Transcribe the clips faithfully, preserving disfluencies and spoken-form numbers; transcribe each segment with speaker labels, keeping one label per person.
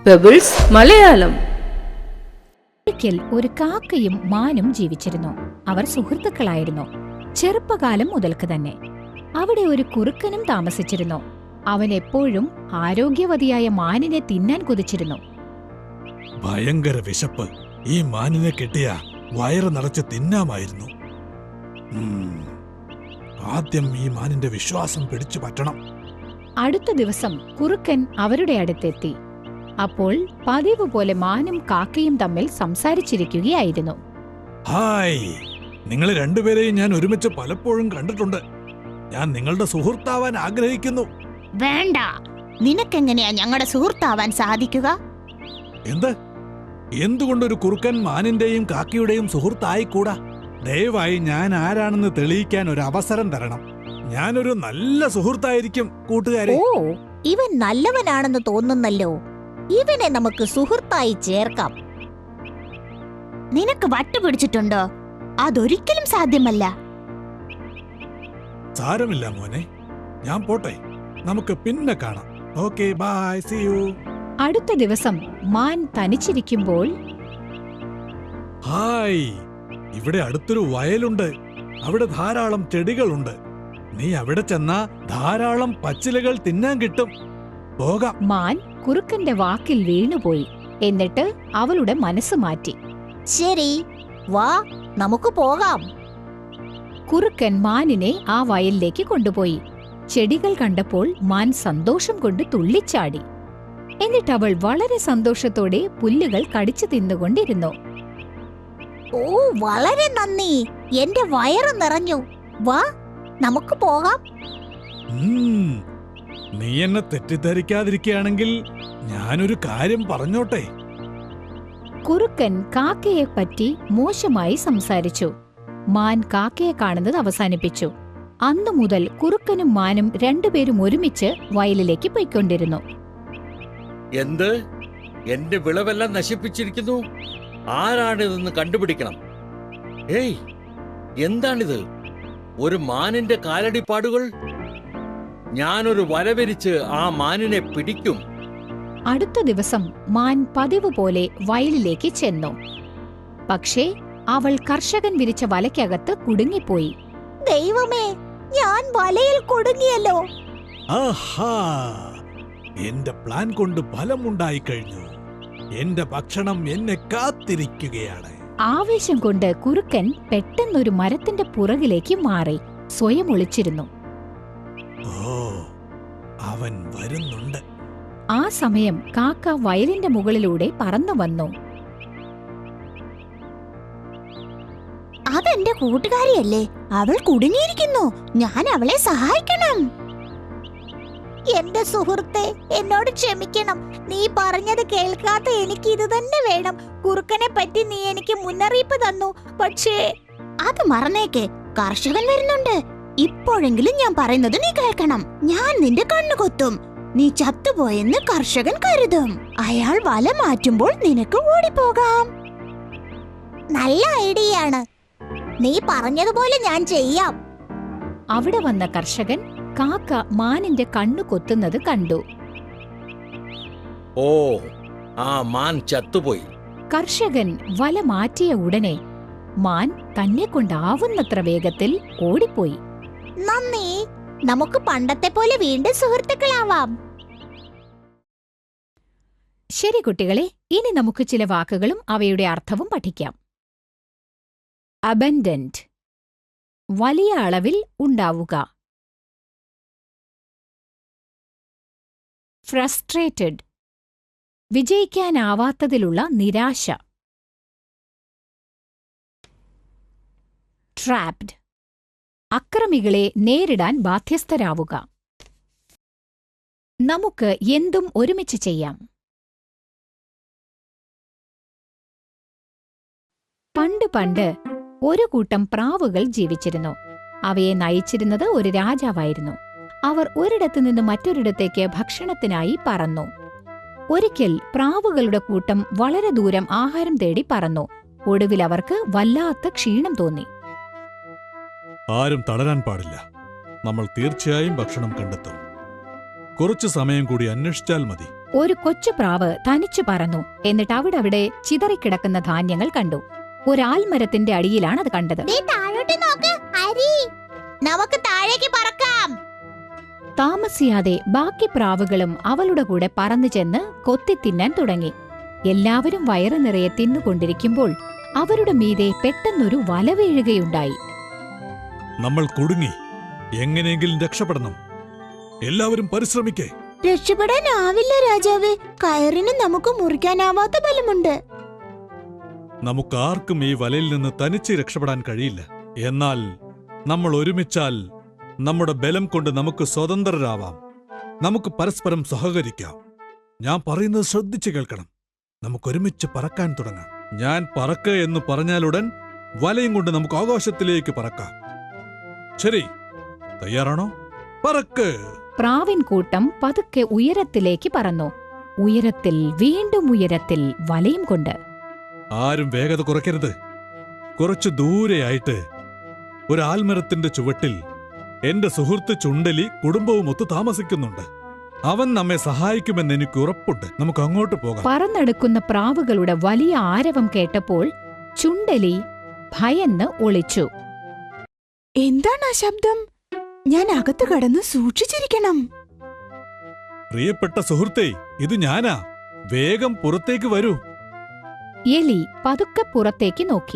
Speaker 1: Pebbles Malayalam.
Speaker 2: ഒരിക്കൽ ഒരു കാക്കയും മാനും ജീവിച്ചിരുന്നു. അവർ സുഹൃത്തുക്കളായിരുന്നു, ചെറുപ്പകാലം മുതൽക്ക് തന്നെ. അവിടെ ഒരു കുറുക്കനും താമസിച്ചിരുന്നു. അവൻ എപ്പോഴും ആരോഗ്യവതിയായ മാനിനെ തിന്നാൻ കൊതിച്ചിരുന്നു.
Speaker 3: ഭയങ്കര വിശപ്പ്. ഈ മാനിനെ കിട്ടിയ വയറ് നിറച്ച് തിന്നാമായിരുന്നു. ആദ്യം ഈ മാനിന്റെ വിശ്വാസം പിടിച്ചു പറ്റണം.
Speaker 2: അടുത്ത ദിവസം കുറുക്കൻ അവരുടെ അടുത്തെത്തി. അപ്പോൾ പതിവ് പോലെ മാനും കാക്കയും തമ്മിൽ സംസാരിച്ചിരിക്കുകയായിരുന്നു.
Speaker 3: ഹായ്, നിങ്ങൾ രണ്ടുപേരെയും ഞാൻ ഒരുമിച്ച് പലപ്പോഴും കണ്ടിട്ടുണ്ട്. ഞാൻ നിങ്ങളുടെ സുഹൃത്താവാൻ ആഗ്രഹിക്കുന്നു.
Speaker 4: വേണ്ട, നിനക്കെങ്ങനെയാ ഞങ്ങളുടെ സുഹൃത്താവാൻ സാധിക്കുക?
Speaker 3: എന്ത്? എന്തുകൊണ്ടൊരു കുറുക്കൻ മാനിന്റെയും കാക്കയുടെയും സുഹൃത്തായിക്കൂടാ? ദയവായി ഞാൻ ആരാണെന്ന് തെളിയിക്കാൻ ഒരു അവസരം തരണം. ഞാനൊരു നല്ല സുഹൃത്തായിരിക്കും കൂട്ടുകാരെ.
Speaker 4: ഓ, ഇവൻ നല്ലവനാണെന്ന് തോന്നുന്നല്ലോ. ഇവനെ നമുക്ക് സുഹൃത്തായി ചേർക്കാം. നിനക്ക് വട്ടുപിടിച്ചിട്ടുണ്ടോ? അതൊരിക്കലും സാധ്യമല്ല.
Speaker 3: സാരമില്ല മോനെ, ഞാൻ പോട്ടെ. നമുക്ക് പിന്നെ കാണാം. Okay, bye, see you.
Speaker 2: അടുത്ത ദിവസം മാൻ തനിച്ചിരിക്കുമ്പോൾ,
Speaker 3: ഹായ്, ഇവിടെ അടുത്തൊരു വയലുണ്ട്. അവിടെ ധാരാളം ചെടികളുണ്ട്. നീ അവിടെ ചെന്നാ ധാരാളം പച്ചിലകൾ തിന്നാൻ കിട്ടും. പോകാം.
Speaker 2: മാൻ കുറുക്കന്റെ വാക്കിൽ വീണുപോയി. എന്നിട്ട് അവളുടെ മനസ്സ് മാറ്റി.
Speaker 4: ശരി, വാ, നമുക്ക് പോകാം.
Speaker 2: കുറുക്കൻ മാനിനെ ആ വയലിലേക്ക് കൊണ്ടുപോയി. ചെടികൾ കണ്ടപ്പോൾ മാൻ സന്തോഷം കൊണ്ട് തുള്ളിച്ചാടി. എന്നിട്ട് അവൾ വളരെ സന്തോഷത്തോടെ പുല്ലുകൾ കടിച്ചു തിന്നുകൊണ്ടിരുന്നു.
Speaker 4: ഓ, വളരെ നന്ദി. എന്റെ വയറ് നിറഞ്ഞു. വാ, നമുക്ക് പോകാം.
Speaker 3: ഉം, നീ എന്നെ തെറ്റിദ്ധരിക്കാതിരിക്കുകയാണെങ്കിൽ ഞാനൊരു കാര്യം പറഞ്ഞോട്ടെ.
Speaker 2: കുറുക്കൻ കാക്കയെപ്പറ്റി മോശമായി സംസാരിച്ചു. മാൻ കാക്കയെ കാണുന്നത് അവസാനിപ്പിച്ചു. അന്നു മുതൽ കുറുക്കനും മാനും രണ്ടുപേരും ഒരുമിച്ച് വയലിലേക്ക് പോയിക്കൊണ്ടിരുന്നു.
Speaker 5: എന്ത്? എന്റെ വിളവെല്ലാം നശിപ്പിച്ചിരിക്കുന്നു. ആരാണിതെന്ന് കണ്ടുപിടിക്കണം. ഏയ്, എന്താണിത്? ഒരു മാനിന്റെ കാലടിപ്പാടുകൾ. ഞാനൊരു വലവിരിച്ച് ആ മാനിനെ പിടിക്കും.
Speaker 2: അടുത്ത ദിവസം മാൻ പതിവ് പോലെ വയലിലേക്ക് ചെന്നു. പക്ഷേ അവൾ കർഷകൻ വിരിച്ച വലയ്ക്കകത്ത് കുടുങ്ങിപ്പോയി.
Speaker 4: ദൈവമേ, ഞാൻ വലയിൽ കുടുങ്ങിയല്ലോ.
Speaker 3: ആഹാ, എന്റെ പ്ലാൻ കൊണ്ട് ഫലമുണ്ടായി കഴിഞ്ഞു. എന്റെ ഭക്ഷണം എന്നെ കാത്തിരിക്കുകയാണ്.
Speaker 2: ആവേശം കൊണ്ട് കുറുക്കൻ പെട്ടെന്നൊരു മരത്തിന്റെ പുറകിലേക്ക് മാറി സ്വയം ഒളിച്ചിരുന്നു.
Speaker 3: ഓ, അവൻ വരുന്നുണ്ട്.
Speaker 2: ആ സമയം കാക്ക വയലിന്റെ മുകളിലൂടെ പറന്നു വന്നു.
Speaker 4: അതെന്റെ കൂട്ടുകാരിയല്ലേ? അവൾ കുടുങ്ങിയിരിക്കുന്നു. ഞാൻ അവളെ സഹായിക്കണം. എന്റെ സുഹൃത്തെ, എന്നോട് ക്ഷമിക്കണം. നീ പറഞ്ഞത് കേൾക്കാത്ത എനിക്ക് ഇത് തന്നെ വേണം. കുറുക്കനെ പറ്റി നീ എനിക്ക് മുന്നറിയിപ്പ് തന്നു. പക്ഷേ അത് മറന്നേക്ക്. കർഷകൻ വരുന്നുണ്ട്. ഇപ്പോഴെങ്കിലും ഞാൻ പറയുന്നത് നീ കേൾക്കണം. ഞാൻ നിന്റെ കണ്ണു കൊത്തും. നീ ചത്തുപോയെന്ന് കർഷകൻ കരുതും. അയാൾ വല മാറ്റുമ്പോൾ നിനക്ക് ഓടിപ്പോകാം. നല്ല ഐഡിയയാണ്. നീ പറഞ്ഞതുപോലെ ഞാൻ ചെയ്യാം.
Speaker 2: അവിടെ വന്ന കർഷകൻ കാക്ക മാനിന്റെ കണ്ണു കൊത്തുന്നത് കണ്ടു.
Speaker 5: ഓ, ആ മാൻ ചത്തുപോയി.
Speaker 2: കർഷകൻ വല മാറ്റിയ ഉടനെ മാൻ തന്നെ കൊണ്ടാവുന്നത്ര വേഗത്തിൽ ഓടിപ്പോയി.
Speaker 4: നന്ദി. നമുക്ക് പണ്ടത്തെ പോലെ വീണ്ടും സുഹൃത്തുക്കളാവാം.
Speaker 2: ശരി കുട്ടികളെ, ഇനി നമുക്ക് ചില വാക്കുകളും അവയുടെ അർത്ഥവും പഠിക്കാം. അബൻഡന്റ്, വലിയ അളവിൽ ഉണ്ടാവുക. ഫ്രസ്ട്രേറ്റഡ്, വിജയിക്കാനാവാത്തതിലുള്ള നിരാശ. ട്രാപ്ഡ്, അക്രമികളെ നേരിടാൻ ബാധ്യസ്ഥരാവുക. നമുക്ക് എന്തും ഒരുമിച്ച് ചെയ്യാം. പണ്ട് പണ്ട് ഒരു കൂട്ടം പ്രാവുകൾ ജീവിച്ചിരുന്നു. അവയെ നയിച്ചിരുന്നത് ഒരു രാജാവായിരുന്നു. അവർ ഒരിടത്തു നിന്ന് മറ്റൊരിടത്തേക്ക് ഭക്ഷണത്തിനായി പറന്നു. ഒരിക്കൽ പ്രാവുകളുടെ കൂട്ടം വളരെ ദൂരം ആഹാരം തേടി പറന്നു. ഒടുവിൽ അവർക്ക് വല്ലാത്ത ക്ഷീണം തോന്നി.
Speaker 3: ആരും തളരാൻ പാടില്ല. നമ്മൾ തീർച്ചയായും ഭക്ഷണം കണ്ടെത്തും. കുറച്ചു സമയം കൂടി അന്വേഷിച്ചാൽ മതി.
Speaker 2: ഒരു കൊച്ചു പ്രാവ് തനിച്ചു പറന്നു. എന്നിട്ട് അവിടെ അവിടെ ചിതറിക്കിടക്കുന്ന ധാന്യങ്ങൾ കണ്ടു. ഒരാൽമരത്തിന്റെ അടിയിലാണ് അത് കണ്ടത്.
Speaker 4: ദേ താഴോട്ട് നോക്ക്, അരി. നമുക്ക് താഴേക്ക് പറക്കാം.
Speaker 2: താമസിയാതെ ബാക്കി പ്രാവുകളും അവളുടെ കൂടെ പറന്നു ചെന്ന് കൊത്തി തിന്നാൻ തുടങ്ങി. എല്ലാവരും വയറു നിറയെ തിന്നുകൊണ്ടിരിക്കുമ്പോൾ അവരുടെ മീതെ പെട്ടെന്നൊരു വല വീഴുകയുണ്ടായി.
Speaker 3: നമ്മൾ കുടുങ്ങി. എങ്ങനെയെങ്കിലും രക്ഷപ്പെടണം. എല്ലാവരും പരിശ്രമിക്കേ.
Speaker 4: രക്ഷപ്പെടാനാവില്ല രാജാവേ. കയറിന് നമുക്ക് മുറിക്കാനാവാത്ത ബലമുണ്ട്.
Speaker 3: നമുക്കാർക്കും ഈ വലയിൽ നിന്ന് തനിച്ച് രക്ഷപ്പെടാൻ കഴിയില്ല. എന്നാൽ നമ്മൾ ഒരുമിച്ചാൽ നമ്മുടെ ബലം കൊണ്ട് നമുക്ക് സ്വതന്ത്രരാവാം. നമുക്ക് പരസ്പരം സഹകരിക്കാം. ഞാൻ പറയുന്നത് ശ്രദ്ധിച്ചു കേൾക്കണം. നമുക്കൊരുമിച്ച് പറക്കാൻ തുടങ്ങാം. ഞാൻ പറക്ക എന്ന് പറഞ്ഞാലുടൻ വലയും കൊണ്ട് നമുക്ക് ആകാശത്തിലേക്ക് പറക്കാം. ശരി, തയ്യാറാണോ? പറക്ക്.
Speaker 2: പ്രാവിൻ കൂട്ടം പതുക്കെ ഉയരത്തിലേക്ക് പറന്നു. ഉയരത്തിൽ വീണ്ടും ഉയരത്തിൽ വലയും കൊണ്ട്.
Speaker 3: ആരും വേഗത കുറയ്ക്കരുത്. കുറച്ചു ദൂരെയായിട്ട് ഒരു ആൽമരത്തിന്റെ ചുവട്ടിൽ എന്റെ സുഹൃത്ത് ചുണ്ടലി കുടുംബവുമൊത്ത് താമസിക്കുന്നുണ്ട്. അവൻ നമ്മെ സഹായിക്കുമെന്ന് എനിക്ക് ഉറപ്പുണ്ട്. നമുക്ക് അങ്ങോട്ട് പോകാം.
Speaker 2: പറന്നെടുക്കുന്ന പ്രാവുകളുടെ വലിയ ആരവം കേട്ടപ്പോൾ ചുണ്ടലി ഭയന്ന് ഒളിച്ചു.
Speaker 1: എന്താണ് ആ ശബ്ദം? ഞാൻ അകത്ത് കടന്ന് സൂക്ഷിച്ചിരിക്കണം.
Speaker 3: പ്രിയപ്പെട്ട സുഹൃത്തേ, ഇത് ഞാനാ. വേഗം പുറത്തേക്ക് വരൂ.
Speaker 2: എലി പതുക്കെ പുറത്തേക്ക് നോക്കി.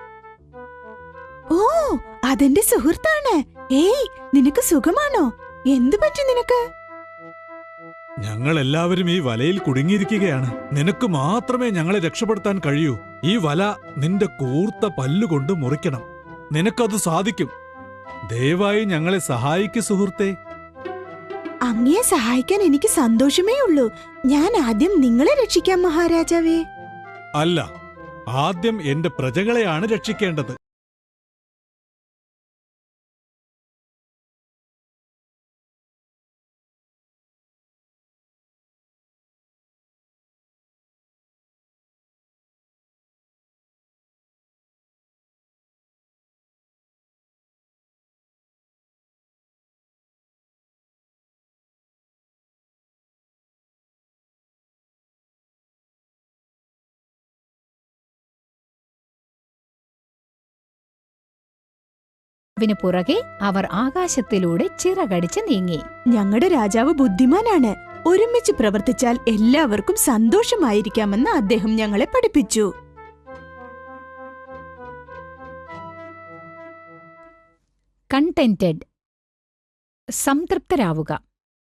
Speaker 1: ഓ, അതെന്റെ സുഹൃത്താണ്. ഏയ്, നിനക്ക് സുഖമാണോ? എന്തു പറ്റി നിനക്ക്?
Speaker 3: ഞങ്ങൾ എല്ലാവരും ഈ വലയിൽ കുടുങ്ങിയിരിക്കുകയാണ്. നിനക്ക് മാത്രമേ ഞങ്ങളെ രക്ഷപ്പെടുത്താൻ കഴിയൂ. ഈ വല നിന്റെ കൂർത്ത പല്ലുകൊണ്ട് മുറിക്കണം. നിനക്കത് സാധിക്കും. ദയവായി ഞങ്ങളെ സഹായിക്കു സുഹൃത്തേ.
Speaker 1: അങ്ങയെ സഹായിക്കാൻ എനിക്ക് സന്തോഷമേ ഉള്ളൂ. ഞാൻ ആദ്യം നിങ്ങളെ രക്ഷിക്കാം മഹാരാജാവേ.
Speaker 3: അല്ല, ആദ്യം എന്റെ പ്രജകളെയാണ് രക്ഷിക്കേണ്ടത്.
Speaker 2: വിന് പുറകെ അവർ ആകാശത്തിലൂടെ ചിറകടിച്ച് നീങ്ങി.
Speaker 1: ഞങ്ങളുടെ രാജാവ് ബുദ്ധിമാനാണ്. ഒരുമിച്ച് പ്രവർത്തിച്ചാൽ എല്ലാവർക്കും സന്തോഷമായിരിക്കാമെന്ന് അദ്ദേഹം ഞങ്ങളെ പഠിപ്പിച്ചു.
Speaker 2: കണ്ടെന്റഡ്, സംതൃപ്തരാവുക.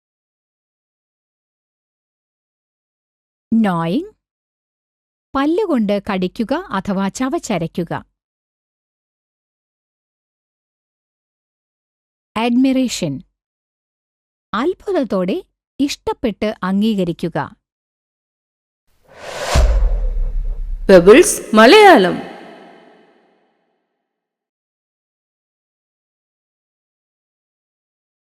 Speaker 2: നോയിങ്, പല്ലുകൊണ്ട് കടിക്കുക അഥവാ ചവച്ചരയ്ക്കുക. അഡ്മിറേഷൻ, അത്ഭുതത്തോടെ ഇഷ്ടപ്പെട്ട് അംഗീകരിക്കുക.
Speaker 6: പെബിൾസ് മലയാളം.